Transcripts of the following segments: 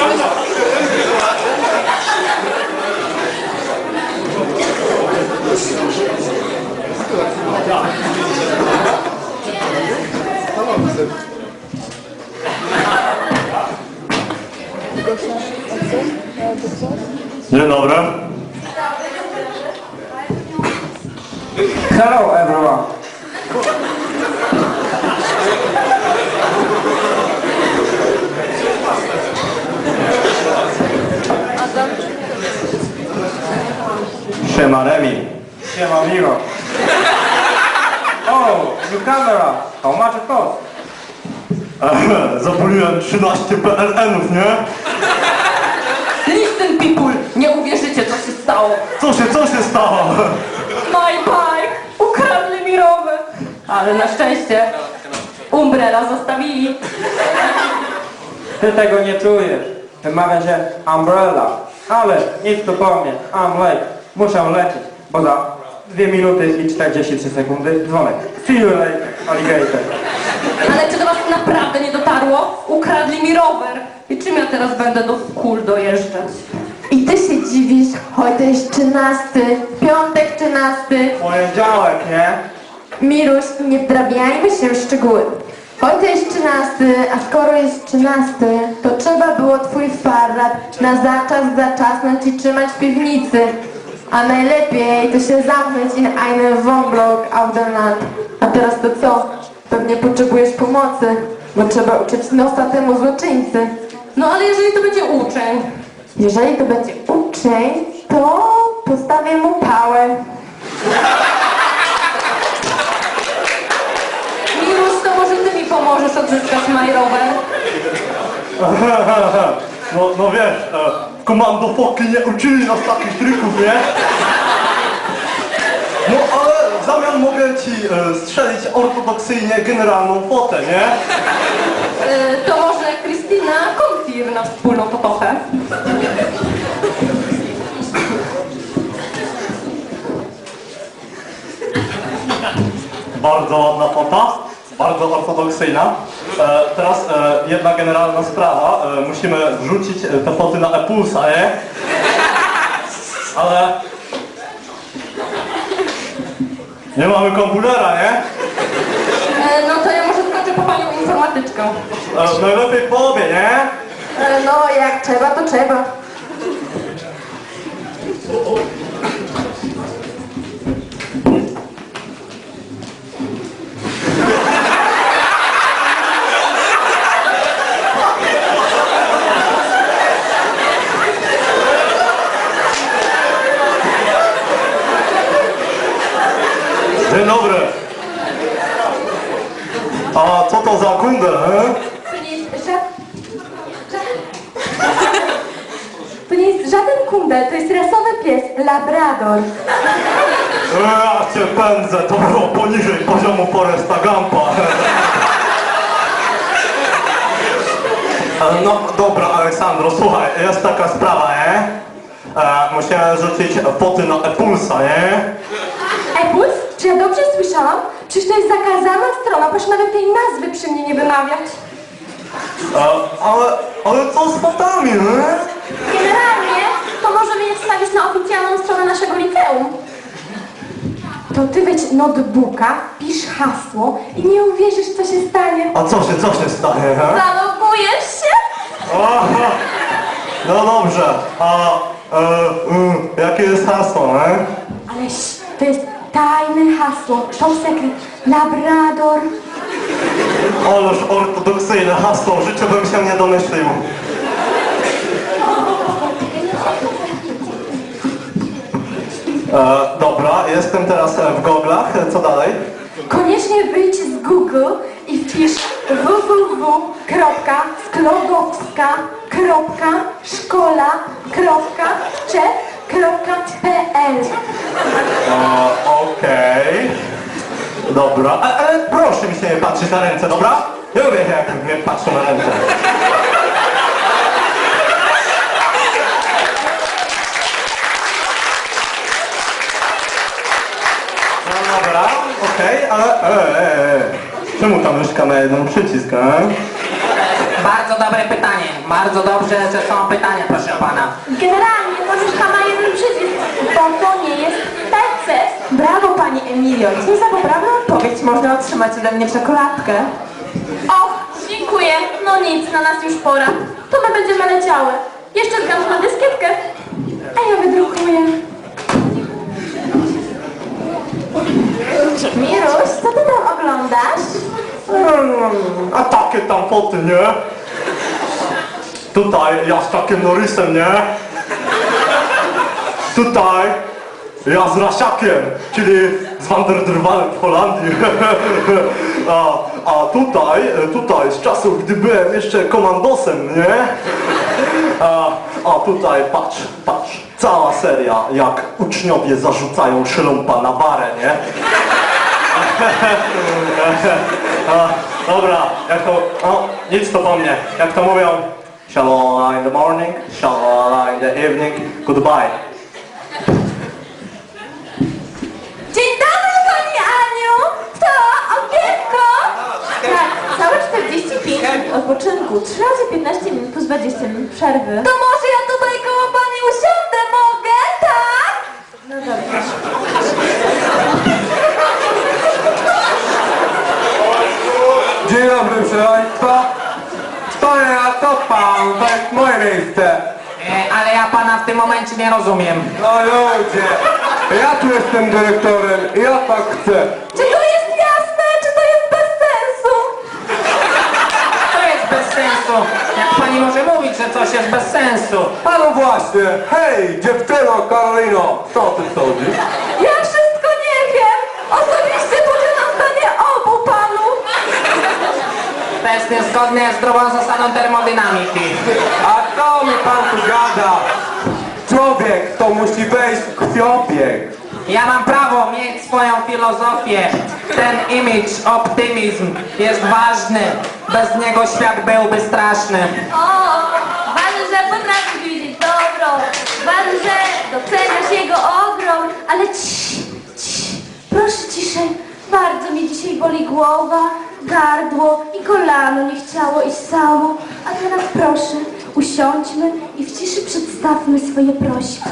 Dzień dobry. Hello everyone. Siema Remi. Siema Miro. Oh, new camera. How much it cost? Zapaliłem 13 PLN-ów, nie? Listen people, nie uwierzycie co się stało. Co się stało? My bike, ukradli mi rower. Ale na szczęście Umbrella zostawili. Ty tego nie czujesz. Wymawia się umbrella. Ale nic tu po mnie. I'm late. Muszę lecieć, bo za 2 minuty i 43 sekundy dzwonek. See you later, alligator. Ale czy do was naprawdę nie dotarło? Ukradli mi rower. I czym ja teraz będę do kul dojeżdżać? I ty się dziwisz, choć to jest 13, piątek 13. Poniedziałek, nie? Miruś, nie wdrabiajmy się w szczegóły. Choć to jest 13, a skoro jest 13, to trzeba było twój farad na zaczas zaczasnąć i trzymać w piwnicy. A najlepiej to się zamknąć in einen Wohnblock auf der Land. A teraz to co? Pewnie potrzebujesz pomocy, bo trzeba uciec nosa temu złoczyńcy. No ale jeżeli to będzie uczeń? Jeżeli to będzie uczeń, to postawię mu pałę. Miruś, to może ty mi pomożesz odzyskać my rower? No wiesz, w komando foki nie uczyli nas takich trików, nie? No ale w zamian mogę ci strzelić ortodoksyjnie generalną fotę, nie? To może Krystyna Konfir na wspólną potochę? Bardzo ładna fota, bardzo ortodoksyjna. Teraz jedna generalna sprawa. Musimy wrzucić te foty na e-pulsa, nie? Ale... nie mamy komputera, nie? No to ja może skoczę po panią informatyczkę. Najlepiej po obie, nie? No jak trzeba, to trzeba. Dzień dobry. A co to za kundel, he? To nie jest żaden kundel, to jest rasowy pies, labrador. Ja cię pędzę, to było poniżej poziomu Foresta Gumpa. No dobra, Aleksandro, słuchaj, jest taka sprawa, nie? Musimy rzucić foty na e-pulsa, nie? Epuls? Czy ja dobrze słyszałam? Przecież to jest zakazana strona, proszę nawet tej nazwy przy mnie nie wymawiać. Ale co z fotami, nie? Generalnie to możemy je wstawić na oficjalną stronę naszego liceum. To ty weź notebooka, pisz hasło i nie uwierzysz, co się stanie. A co się stanie, he? Zalogujesz się? Aha. No dobrze, jakie jest hasło, nie? Aleś, to jest tajne hasło, to sekret. Labrador. Ależ ortodoksyjne hasło, w życiu bym się nie domyślił. Dobra, jestem teraz w goglach, co dalej? Koniecznie wyjdź z Google i wpisz www.sklodockka.szkola.czech.pl. Okej. Dobra, ale proszę mi się nie patrzeć na ręce, dobra? Nie lubię jak mnie patrzą na ręce. No dobra, okej, ale... Czemu ta myszka ma jeden przycisk, a? Bardzo dobre pytanie. Bardzo dobrze, że są pytania, proszę pana. Generalnie możesz pana jeden przycisk, bo to nie jest PC. Brawo pani Emilio. Dzisiaj za poprawną odpowiedź można otrzymać ode mnie czekoladkę. Och, dziękuję. No nic, na nas już pora. To my będziemy leciały. Jeszcze zgadł na dyskietkę. A ja wydrukuję. Miruś, co ty tam oglądasz? A takie tam foty, nie? Tutaj ja z takim Norrisem, nie? Tutaj ja z Rasiakiem, czyli z Van der Drwalem w Holandii. A tutaj z czasów, gdy byłem jeszcze komandosem, nie? A tutaj patrz, cała seria, jak uczniowie zarzucają szlumpa na barę, nie? Dobra, jak to, nic to po mnie, jak to mówią, shalala in the morning, shalala in the evening, goodbye. Dzień dobry pani Aniu! To okienko! Tak, całe 45 minut odpoczynku, 3 razy 15 minut plus 20 minut przerwy. To może ja tutaj koło pani usiądę, mogę? Tak? No dobrze. Dzień dobry, proszę państwa. Stoję na to pan, to jest moje miejsce. Ale ja pana w tym momencie nie rozumiem. No ludzie, ja tu jestem dyrektorem i ja tak chcę. Czy to jest jasne, czy to jest bez sensu? To jest bez sensu. Jak pani może mówić, że coś jest bez sensu? A no właśnie, hej dziewczyno Karolino, co ty sądzisz? Ja wszystko nie wiem! Osobiście podzielam zdanie obu panów! To jest niezgodne z zdrową zasadą termodynamiki. A co mi pan tu gada? Człowiek to musi wejść w krwiobieg. Ja mam prawo mieć swoją filozofię. Ten image, optymizm jest ważny. Bez niego świat byłby straszny. O, ważne, że potrafisz widzieć dobro, ważne, że doceniasz jego ogrom, ale proszę ciszej, bardzo mi dzisiaj boli głowa, gardło i kolano nie chciało iść samo, a teraz proszę, usiądźmy i w ciszy przedstawmy swoje prośby.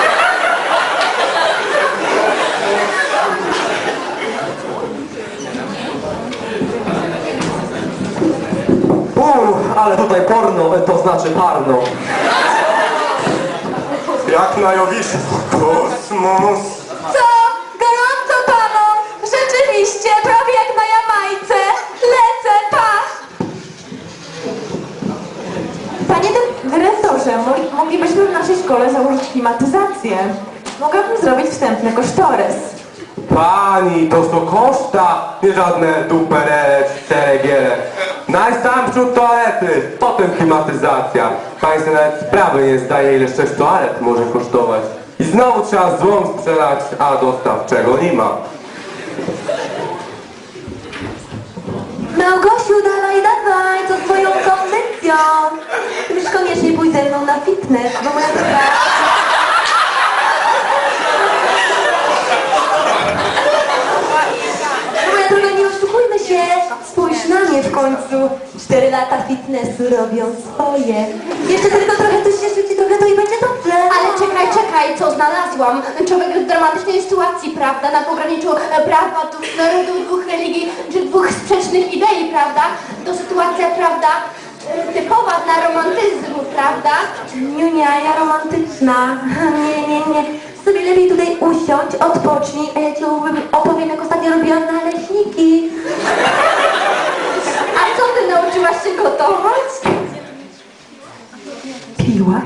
Ale tutaj porno, to znaczy parno. Jak na Jowiszu, kosmos. Co? Gorąco panom! Rzeczywiście, prawie jak na Jamajce. Lecę, pa! Panie dyrektorze, moglibyśmy w naszej szkole założyć klimatyzację. Mogłabym zrobić wstępny kosztorys. Pani, to są koszta, nie żadne duperele, ceregiele. Najsam wśród toalety, potem klimatyzacja. Pani sobie nawet sprawy nie zdaje, ile 6 toalet może kosztować. I znowu trzeba złom sprzedać, a dostaw czego nie ma. Małgosiu, dawaj, co z twoją kondycją? Już koniecznie pójdź ze mną na fitness, bo moja droga... Moja droga, nie oszukujmy się. Spójrz na mnie w końcu. 4 lata fitnessu robią swoje. Jeszcze tylko trochę coś się rzuci, trochę to i będzie dobrze. Ale czekaj, co znalazłam? Człowiek w dramatycznej sytuacji, prawda? Na pograniczu prawa, dwóch religii, czy dwóch sprzecznych idei, prawda? To sytuacja, prawda? Typowa dla romantyzmu, prawda? Niunia, ja romantyczna. Nie. Sobie lepiej tutaj usiądź, odpocznij, a ja ci opowiem, jak ostatnio robiłam naleśniki. A co ty nauczyłaś się gotować? Piłaś?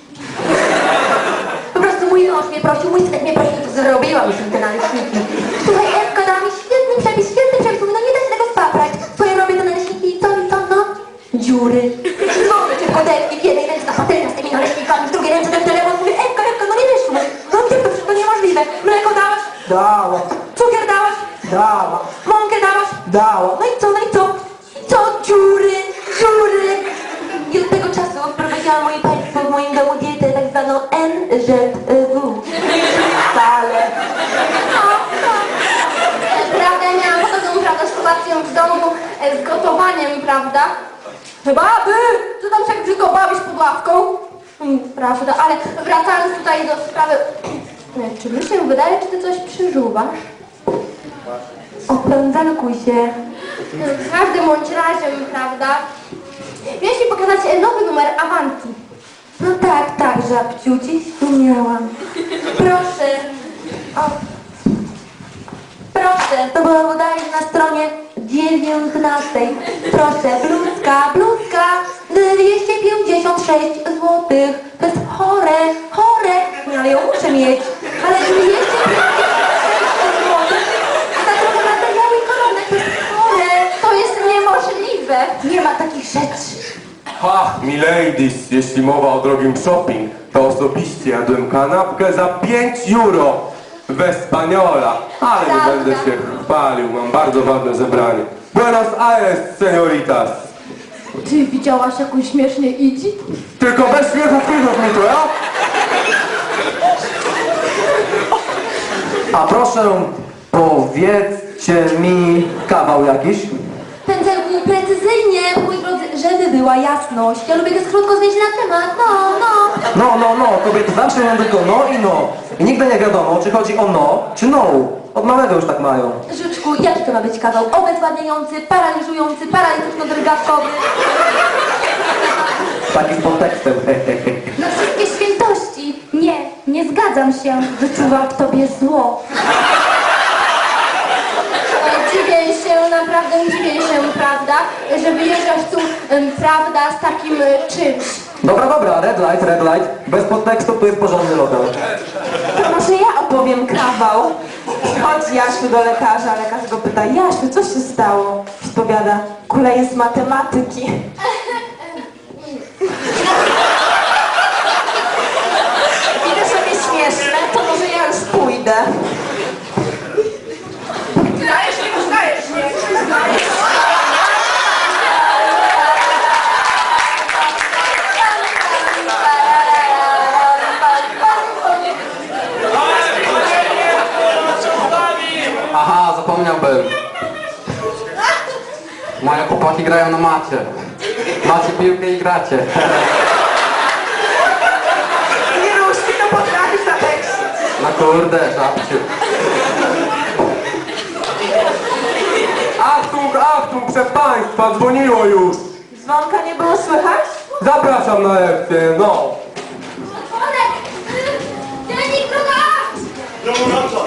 Po prostu mój mąż mnie prosił, mój synek mnie prosił, to zrobiłam już te naleśniki. Słuchaj, Ewka dała mi świetny przepis, mówi, no nie da się tego spaprać. Twoje robię te naleśniki i co, no? Dziury. Dzwonię cię w kodelki, w jednej ręce na patelnia z tymi naleśnikami, w drugiej ręce ten telefon, mówię, Ewka, no nie wyszło. No gdzie to wszystko niemożliwe? Mleko dałaś? Dała, Cukier dałaś? dała, Mąkę dałaś? dała. No i co? I co? Dziury. I od tego czasu wprowadziłam moje państwo w moim domu dietę tak zwaną NZW. Wcale. Prawda, ja miałam podobną, prawda, sytuację w domu z gotowaniem, prawda? Baby! Co tam się tak brzydko bawisz pod ławką? Prawda, ale wracając tutaj do sprawy... Czy mi się wydaje, czy ty coś przyżuwasz? Opędzalkuj się. W każdym bądź razie, prawda? Miałeś mi pokazać nowy numer Avanti. No tak, żabciu, dziś tu miałam. Proszę. O. Proszę, to było bodajże na stronie 19. Proszę, bluzka, 256 zł. To jest chore. No ale ją muszę mieć. Ale 256 zł. A za trochę materiału i koronek, to jest chore. To jest niemożliwe. Nie ma takich rzeczy. Ha, miladies, jeśli mowa o drogim shopping, to osobiście jadłem kanapkę za 5 euro we Spaniola. Ale nie będę się chwalił, mam bardzo ważne zebranie. Buenos Aires, senioritas. Ty widziałaś jakąś śmiesznie idzi? Tylko bez śmiechów mi to, ja? A proszę, powiedzcie mi kawał jakiś. Pędzelku, precyzyjnie, mój drodzy, żeby była jasność. Ja lubię tak krótko zejść na temat, No, kobiety zawsze mają tylko no i no. I nigdy nie wiadomo, czy chodzi o no, czy no. Od małego już tak mają. Żuczku, jaki to ma być kawał? Obezwładniający, paraliżujący, paralitycznie-drgawkowy. Takim podtekstem. Na wszystkie świętości. Nie zgadzam się. Wyczuwam w tobie zło. Dziwię się, naprawdę dziwię się, prawda, że wyjeżdżasz tu, prawda, z takim czymś. Dobra, red light. Bez podtekstu tu jest porządny lokal. To może ja opowiem kawał. Chodzi Jasiu do lekarza, lekarz go pyta: Jasiu, co się stało? Odpowiada: kuleję z matematyki. Widzę, że mnie śmieszne, to może ja już pójdę. Zdajesz mnie. Aha, zapomniałbym. Moje chłopaki grają na macie. Macie piłkę i gracie. Nie ruszki, to potrafisz zatekścić. No kurde, żabciu. Achtung, proszę państwa, dzwoniło już. Dzwonka nie było słychać? Zapraszam na lekcję, no. Dziennik druga! Ja wracam.